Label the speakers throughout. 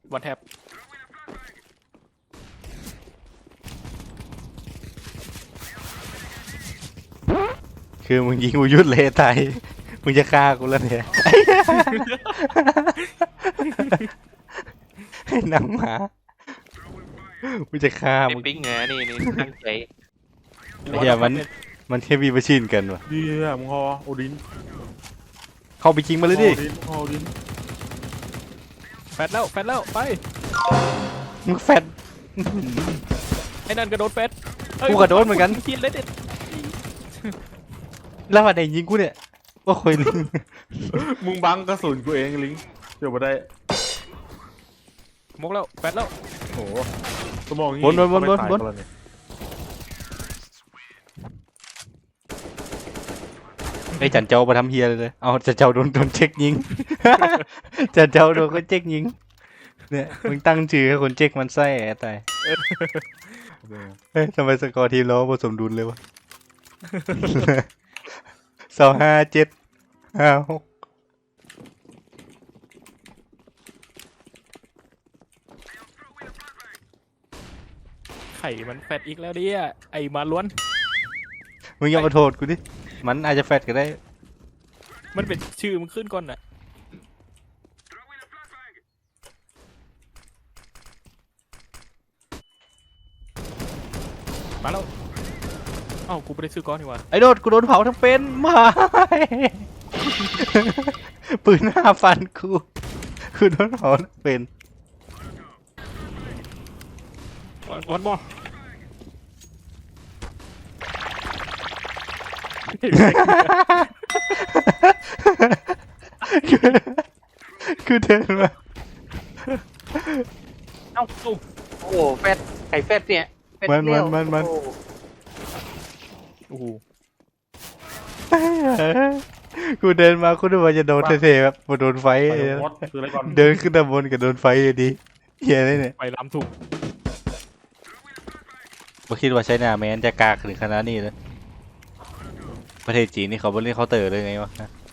Speaker 1: วันแท็บ
Speaker 2: คือมึงยิงกูยุดเลยตายมึงจะฆ่ากูแล้วเนี่ยให้หนังหมามึงจะฆ่า
Speaker 3: ไอ้
Speaker 2: มึง
Speaker 3: ปิ๊งไงนี่ตั้งใจ
Speaker 2: ไอ้เหี้ยมันแค่มีประชินกันวะ
Speaker 4: ดีอะมึงฮอโอดิน
Speaker 2: เข้าไปยิงมาเลยดิ
Speaker 4: ฮอโอดิน
Speaker 1: แฟดแล้วไป
Speaker 2: มึงแฟด
Speaker 1: ไอ้นั่นกระโดดแฟด
Speaker 2: กูกระโดดเหมือนกัน
Speaker 1: คิดเลยเด็ด
Speaker 2: แล้วมาไหนยิงกูเนี่ยว่าคอยลิง
Speaker 4: มึงบังกระสุนกูเองลิงเดี๋ยวมาได้
Speaker 1: มกแล้วแฟดแล้ว
Speaker 4: โอ้โหสมองงี้
Speaker 2: บน ไอ้จันเจ้ามาทำเฮียเลยเอาจันเจ้าโดนเช็คยิง จันเจ้าโดนคนเช็คยิงเนี่ยมึงตั้งชื่อให้คนเช็คมันไส้ไอ้ตายเฮ้ยทำไมสกอร์ทีมเราผสมดุลเลยวะ 25-7-5-6
Speaker 1: ไข่มันแฟดอีกแล้วเนี่ยไอ้มาล้วน
Speaker 2: มึงอย่ามาโทษกูดิมันอาจจะแฟดก็ได้
Speaker 1: มันเป็นชื่อมันขึ้นก่อนน่ะมาแล้วเอ้ากูไม่ได้ซื้อก้อนนี่หว่า
Speaker 2: ไอ้โดดกูโดนเผาทั้งเป็นไม่ ปืน5 ฟันกูโดนเผาทั้งเป็น
Speaker 1: วันบอ
Speaker 2: คือเดินมา
Speaker 3: เอ้าโอ้โหแฟดไข่แฟดเนี่ยแฟด
Speaker 2: มัน
Speaker 3: เลี้ยว
Speaker 1: โอ้โห
Speaker 2: กูเดินมากูนึกว่าจะโดนเท่ๆแบบโดนไฟ
Speaker 4: ไปมดคืออะไรก่อน
Speaker 2: เดินขึ้นตะบนกับโดนไฟเลยดิเฮียเลยเนี่ย
Speaker 1: ไปล้ำถูก
Speaker 2: ไม่คิดว่าใช้หน้าแมนจะกากถึงขนาดนี้เลยประเทศจีนนี่เขาบนเล่นเคาน์เตอร์เลยไงวะ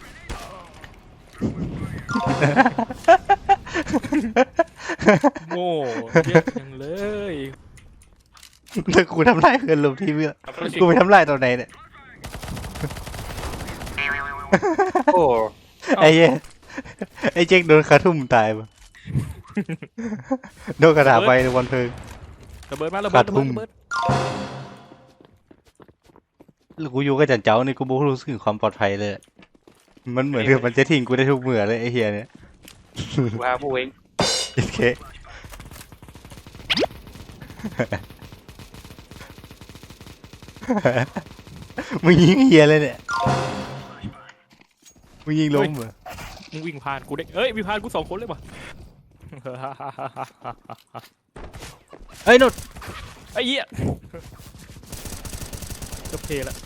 Speaker 1: โง่เยอะจังเลย
Speaker 2: แต่กูทำลายเพื่อนลมที่เมื่อกูไปทำลายตอนไหนเนี่ย
Speaker 3: โอ้
Speaker 2: ไอ้เหี้ยไอ้เจ๊กโดนคาทุ่มตายปะโดนกระดาษไปในวันเพลิง
Speaker 1: ระเบิดมาระ
Speaker 2: ขา
Speaker 1: เบิ
Speaker 2: ด
Speaker 1: ด
Speaker 2: ทุ่ม
Speaker 1: ระเบิด
Speaker 2: แล้วกูอยู่กับจันเจ้านี่กูไม่รู้สึกถึงความปลอดภัยเลย มันเหมือนกับมันจะทิ้งกูได้ทุกเมื่อเลยไอ้เฮียเนี่ย
Speaker 3: ว่าผู้เอง
Speaker 2: โอเคมึงยิงเฮียเลยเนี่ยมึงยิงล้มเหรอ
Speaker 1: มึงวิ่งผ่านกูได้เอ้ยวิ่งผ่านกู2 คนเลยป่ะ
Speaker 2: เฮ้ยนุด
Speaker 1: ไอ้เหี้ยจะเพลแล้ว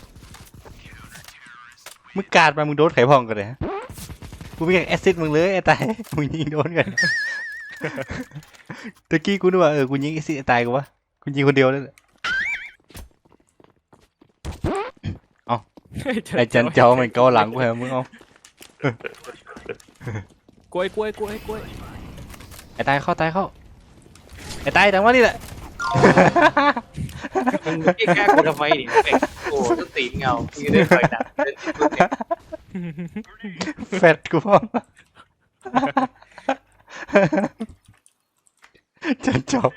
Speaker 2: มึงกาดมามึงโดนไขพองกันเลยฮะกูไม่อยากแอสซิดมึงเลยไอ้ตายมึงยิงโดนกันตะกี้กูนึกว่ากูยิงแอสซิดไอ้ตายกูวะกูยิงคนเดียวเลย ไอ้จันเจ้ามันเกาหลังกูเหรอมึงเอา
Speaker 1: กล้วย
Speaker 2: ไอ้ตายเข้าไอ้ตายแต่ว่านี่แหละ
Speaker 3: มึงแกล้งกูทำไมนี่เป็กโอ้ต้นตีนเงามึงจะได้ต่อยหนักเล่นที่สุดเนี่ย
Speaker 2: แฟดกูพ่อจันเจ้า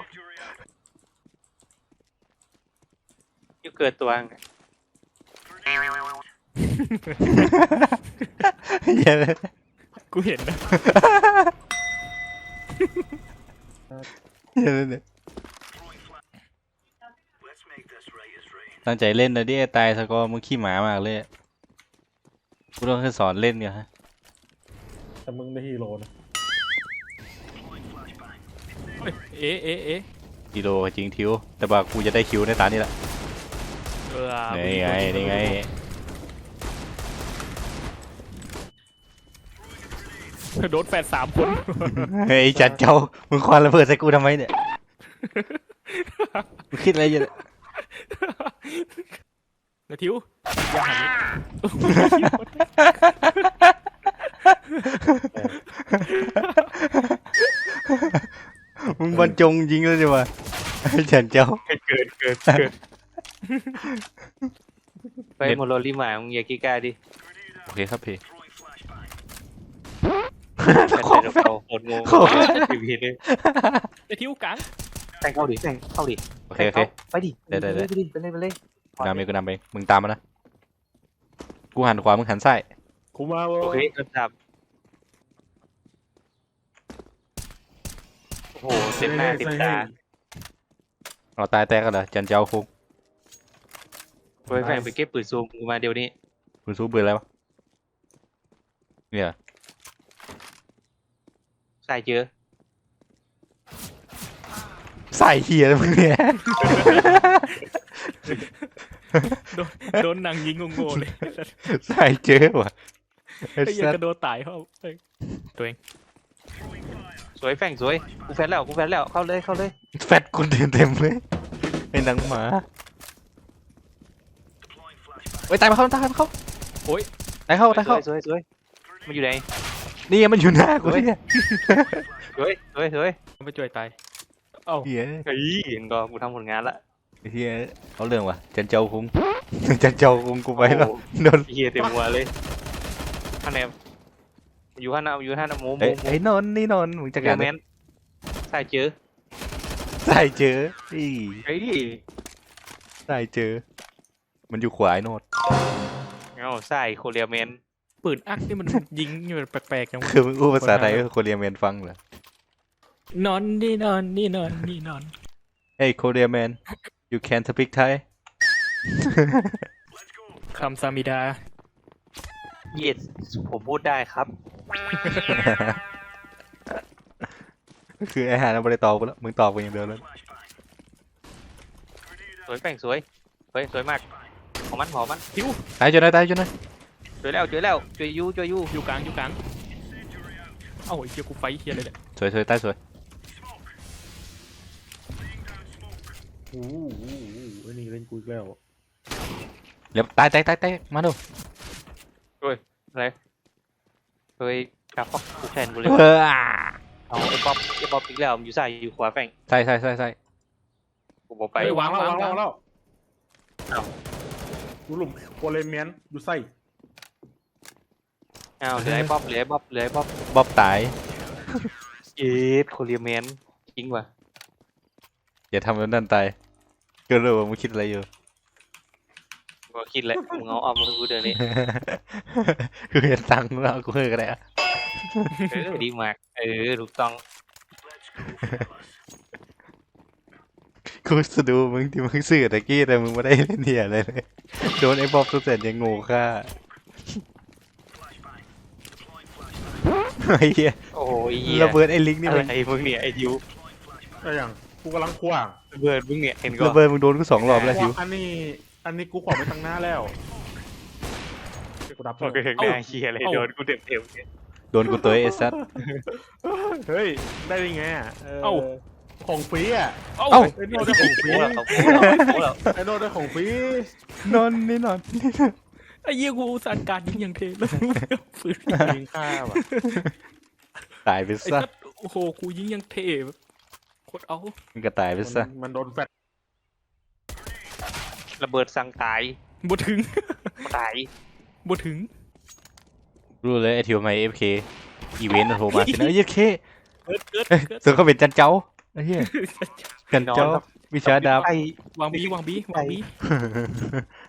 Speaker 3: ยูเกิดตัวไง
Speaker 2: เหี้ยเลย
Speaker 1: กูเห็นนะ
Speaker 2: เหี้ยเลยเนี่ยตั้งใจเล่นนะดิไอ้ตายสกอร์มึงขี้หมามากเลยกูต้องแค่สอนเล่นเนี่ยฮะ
Speaker 4: แต่มึงได้ฮีโร่นะ
Speaker 1: เฮ้ยเอ๊ะ
Speaker 2: กิโลจริงทิวแต่ว่ากูจะได้คิวในตานี่แหละ
Speaker 1: เออ
Speaker 2: นี่ไง
Speaker 1: โดนแฟด3 คน
Speaker 2: เฮ้ยจันเจ้ามึงควันระเบิดใส่กูทำไมเนี่ยมึงคิดอะไรอยู่เนี่ย
Speaker 1: นาทิวอย่าหันนี้
Speaker 2: บรรจงยิงแล้วใช่ไหมจันเจ้า
Speaker 3: เกิดไปโมโรลิมามึงอย่ากี้กล้าดิ
Speaker 2: โอเคครับพี่
Speaker 3: แต่เราโคตรโง่ทีวีเลย
Speaker 1: ไอ้ทิวกลาง
Speaker 3: แต่งเข้าดิแต่งเข้าดิ
Speaker 2: โอเคโอเค
Speaker 3: ไปดิไปเลย
Speaker 2: กูนำเองกูนำเองมึงตามมานะกูหันขวามึงหันซ้าย
Speaker 4: กูมาเว้
Speaker 3: โอย เคกระดับโอ้โหเต็มหน้าเต็มตา
Speaker 2: เราตายแตกกันเหรอจันเจ้าคุก
Speaker 3: ไปแฝงไปเก็บปืนซูมกูมาเดี๋ยวนี้
Speaker 2: คุณสู้เบื่ออะไรวะเนี่ย
Speaker 3: ใส่เจอ
Speaker 2: ใส่เฮียแล้วมึงเนี่ย
Speaker 1: โดนนางยิงงงๆเลย
Speaker 2: ใส่เจอว่ะไอ้
Speaker 1: ไอ้เหี้ย
Speaker 2: สัส
Speaker 1: กระโดดตายเขาเอ้ยตัวเอง
Speaker 3: สวยแฝงสวยกูแฟนแล้วเข้าเลย
Speaker 2: แฟตกูเต็มเลยไอ้หนังหมาเฮ้ยตายมาเข้าโอ้ยตายเข้า
Speaker 3: สวยมันอยู่ไหน
Speaker 2: นี่มันอยู่หน้ากูเนี่ย
Speaker 3: สวย
Speaker 1: ไปช่วยตายเอ้า
Speaker 2: เฮีย
Speaker 3: เฮ้ยเห็นก็กูทำผลงานละ
Speaker 2: เฮียเอาเรื่องว่ะจันเจ้าคุงจันเจ้าคุงกูไปแล้วโดน
Speaker 3: เฮียเต็มหัวเลยท่านแนมอยู่ท่านนะหมู
Speaker 2: ไอ้นนท์นี่นนท์มึงจะ
Speaker 3: เรี
Speaker 2: กั
Speaker 3: ย
Speaker 2: น
Speaker 3: แมนใส่เจอ
Speaker 2: ใส่เจออี
Speaker 3: เฮ้ย
Speaker 2: ใส่เจอ มันอยู่ขวาไอ้โนด
Speaker 3: ใส่โคเรียแมน
Speaker 1: ปืนอักนี่มันยิงอยู่แปลกๆจังวะ
Speaker 2: คือมึงอู้ภาษาไทยก็โคเรียแมนฟังเหรอน
Speaker 1: อนนี่นอนนี่นอนนี่นอน
Speaker 2: เฮ้ยโคเรียแมน you can speak Thai
Speaker 1: คำซามิดา
Speaker 3: เย็ดผมพูดได้ครับ
Speaker 2: คือไอ้หาเราไม่ได้ตอบกูแล้วมึงตอบกูอย่างเดียวแล้ว
Speaker 3: สวยแป้งสวยมากของมัน
Speaker 1: ทิว
Speaker 2: ตายจนได้
Speaker 3: เจอแล้วช่วยยู
Speaker 1: อยู่กลางเอ้าไอ้เหี้ยกูไฟเหี้ยเลยเนี่ย
Speaker 2: สวยตายสวย
Speaker 4: โอ้โหไอ้นี่เล่นกูอีกแล้ว
Speaker 2: เดี๋ยวตายมาดู
Speaker 3: อะไรเฮ้ยกราฟกูแทนกูเลย
Speaker 2: เออ
Speaker 3: เอาไอ้ป๊อปอีกแล้วอยู่ใส่อยู่ขวาแป้ง
Speaker 2: ใส่
Speaker 3: กูบอกไป
Speaker 4: ไปวางแล้ว
Speaker 3: เอ้า
Speaker 4: กูหลุมโคเลเมียนดูไส้
Speaker 3: เหลือไอ้ป๊อป
Speaker 2: บ๊อบตาย
Speaker 3: เอ็ดโคเรียแมนจริงว่ะ
Speaker 2: อย่าทำแล้วนั่นตายก็รู้ว่ามึงคิดอะไรอยู่
Speaker 3: กูคิดแหละมึงเอามาให้กูเดี๋ยวนี้
Speaker 2: คือเห็นตังค์แล้วกูเฮ้ยก็ได้อะ
Speaker 3: ดีมากถูกต้อง
Speaker 2: กูสะดูมึงที่มึงซื้อตะกี้แต่มึงไม่ได้เล่นเหี้ยอะไรเลยโดนไอ้บ๊อบทุกเสร็จยังโง่ค่าไอ้เหี้ย
Speaker 3: โอ้ย
Speaker 2: ระเบิดไอ้ลิงนี่
Speaker 3: อะไร
Speaker 2: มัน
Speaker 3: มึงเนี่ยไอ้ดิว
Speaker 4: อะไรอย่างกูกำลังขวาง
Speaker 3: ระเบิดมึงเนี่ยเห็นก็
Speaker 2: ระเบิดมึงโดนกู2 รอบแล้วทิว
Speaker 4: อันนี้กูขวางไปทางหน้าแล้วกูรับ
Speaker 3: โอเคหน้าเฮียอะไรโดนกูเต็มเนี่ย
Speaker 2: โดนกูตัวไอ้สัส
Speaker 4: เฮ้ยได้ยังไงอ่ะของฟรีอ่ะ
Speaker 1: เอ้า
Speaker 2: เอ้า
Speaker 4: ไอ้โน่ได้ของฟรี
Speaker 3: โอ้แล้ว
Speaker 4: ไอ้โน่ได้ของฟรี
Speaker 2: นอนนี่นอน
Speaker 1: ไอ้เหี้ยกูอุตสั่งการยิงอย่างเทแล้วฝืน
Speaker 4: ยิงข้าว่ะ
Speaker 2: ตายไป
Speaker 1: ไอ้
Speaker 2: ซะ
Speaker 1: สัสโอ้โหกูยิงอย่างเทแบบโคตรเอา
Speaker 2: มึงก็ตายไปซะ
Speaker 4: มันโดนแฟด
Speaker 3: ระเบิดสั่งตาย
Speaker 1: บ่ถึง
Speaker 3: ตาย
Speaker 1: บ่ถึง
Speaker 2: รู้เลยไอ้ทิวไม่ FK อีเวนต์โทรมาสินะเฮ้ยเค
Speaker 1: เกิด
Speaker 2: ส่วนเขาเป็นจันเจ้าไอ้เหี้ยจันเจ้าวิชาดาบ
Speaker 3: ไอ้
Speaker 1: วางบี